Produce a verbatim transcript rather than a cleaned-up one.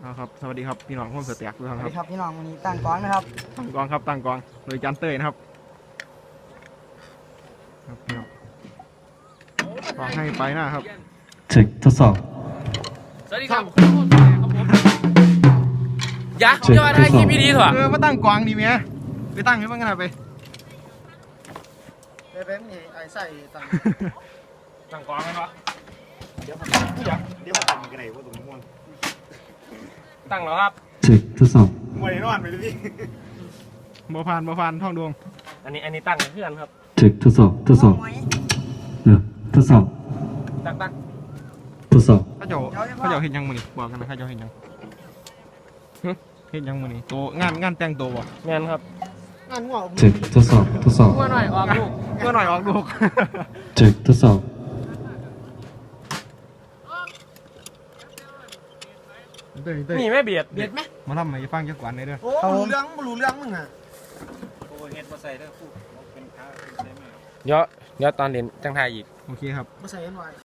ครับสวัสดีครับพี่น้องคนเสือแตกทุกท่านสวัสคดีรับครับพี่น้องวันนี้ตั้งกองนะครับตั้งกองครับตั้งกองโดยจันเต้ยนะครับครับพี่น้องขอให้ไปหน้าครับเช็คทดสอบสวัสดีครับครับผมยักษ์จะมาได้คลิปพี่ดีเถอะเออมาตั้งกองดีไหมไปตั้งให้มันกันไปเบ๊บนี่ไอ้ใส่ตั้งตั้งกองกันวะเดี๋ยวผมอยากเดี๋ยวผมทำกันไหนว่าตรงนี้ม่วนตั้งแล้วครับเช็คทดสอบม่วนแน่นอนไปเลยพี่บ่พานบ่พานท่องดวงอันนี้อันนี้ตั้งกับเพื่อนครับเช็คทดสอบทดสอบเนอะทดสอบตั้งตั้งทดสอบเขาเจ้าเขาเจ้าเห็นยังมือนี่บอกกันนะเขาเจ้าเห็นยังเห็นยังมือนี่โตงานงานแต่งตัวบ่งานครับงานหัวเช็คทดสอบทดสอบเมื่อหน่อยออกลูกเมื่อหน่อยออกลูกเช็คทดสอบเต้ยเต้ยนี่ไม่เบียดเบียดไหมมาทำไมฟังจักกวันเลยเด้อโอ้รู้เรื่องรู้เรื่องมึงอ่ะเดี๋ยวเดี๋ยวตอนเรียนจังไทยอีกโอเคครับมาใส่กันไว้